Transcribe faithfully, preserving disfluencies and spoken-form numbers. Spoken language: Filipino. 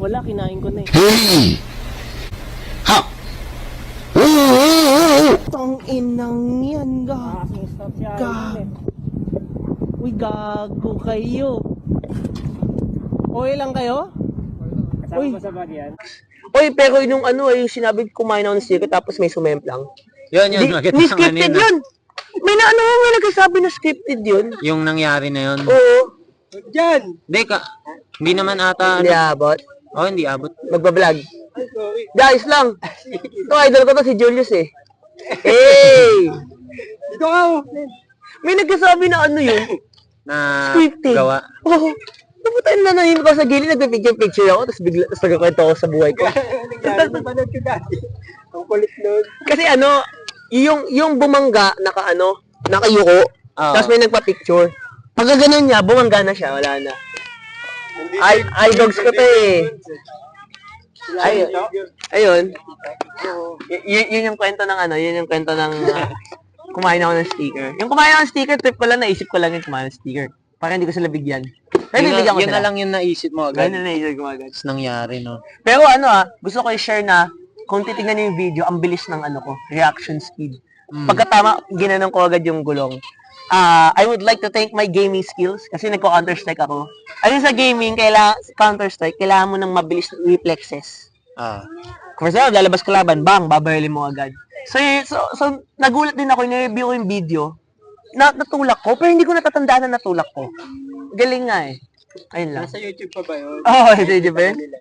Wala, kinain ko na eh. Ha? Tang inang yan, ga. Kasing stop siya. Ga. Uy, gago kayo. Okay lang kayo? Kasama Uy. mo sa bag yan. Uy, pero yung ano, yung sinabi kumain ako ng sticker tapos may sumemplang. Yun, yun. Di, Makita ni ng scripted kanina. yun. May na ano, may nagsasabi na scripted yun. Yung nangyari na yun. Oo. Diyan! Hindi ka. Hindi naman ata. Hindi Ano. abot. Oh, hindi abot. Magbablog. Guys lang. Ito, idol ko to si Julius eh. Hey! Dito ka! oh. May nagsasabi na ano yun. Na Scripted. gawa. Oo. Naputain na nahimik ko sa gilid, nagpipicture-picture ako, tapos bigla, tapos nagkakwento ako sa buhay ko. Nangyari, napanood ko dati. Ang kulit nun. Kasi ano, yung yung bumangga, naka ano, nakayuko, Oo. tapos may nagpa-picture. Pag ganun niya, bumangga na siya, wala na. Ay, ay dogs ko to eh. Ay, ayun. Y- y- yun yung kwento ng ano, yun yung kwento ng ah, kumain ako ng sticker. Yung kumain ako ng sticker, trip ko lang, naisip ko lang yung kumain ng sticker. Para hindi ko sila bigyan. Pero Yun, bibigyan na, ko yun sila. na lang yung naisip mo agad. Ganun na naisip ko agad. Tapos nangyari, no? Pero ano ah, gusto ko i-share na kung titignan niyo yung video, ang bilis ng ano ko, reaction speed. Mm. Pagkatama, ginanong ko agad yung gulong. Ah, I would like to thank my gaming skills kasi nagko-Counter-Strike ako. Ayun sa gaming, kailangan Counter-Strike, kailangan mo ng mabilis na reflexes. Ah. For example, lalabas ka laban, bang, babarili mo agad. So, y- so, so nagulat din ako, ni-review ko yung video, na natulak ko, pero hindi ko natatandaan na natulak ko. Galing nga eh. Ayun lang. Nasa YouTube pa ba yun? Oo, oh, hindi ba yun?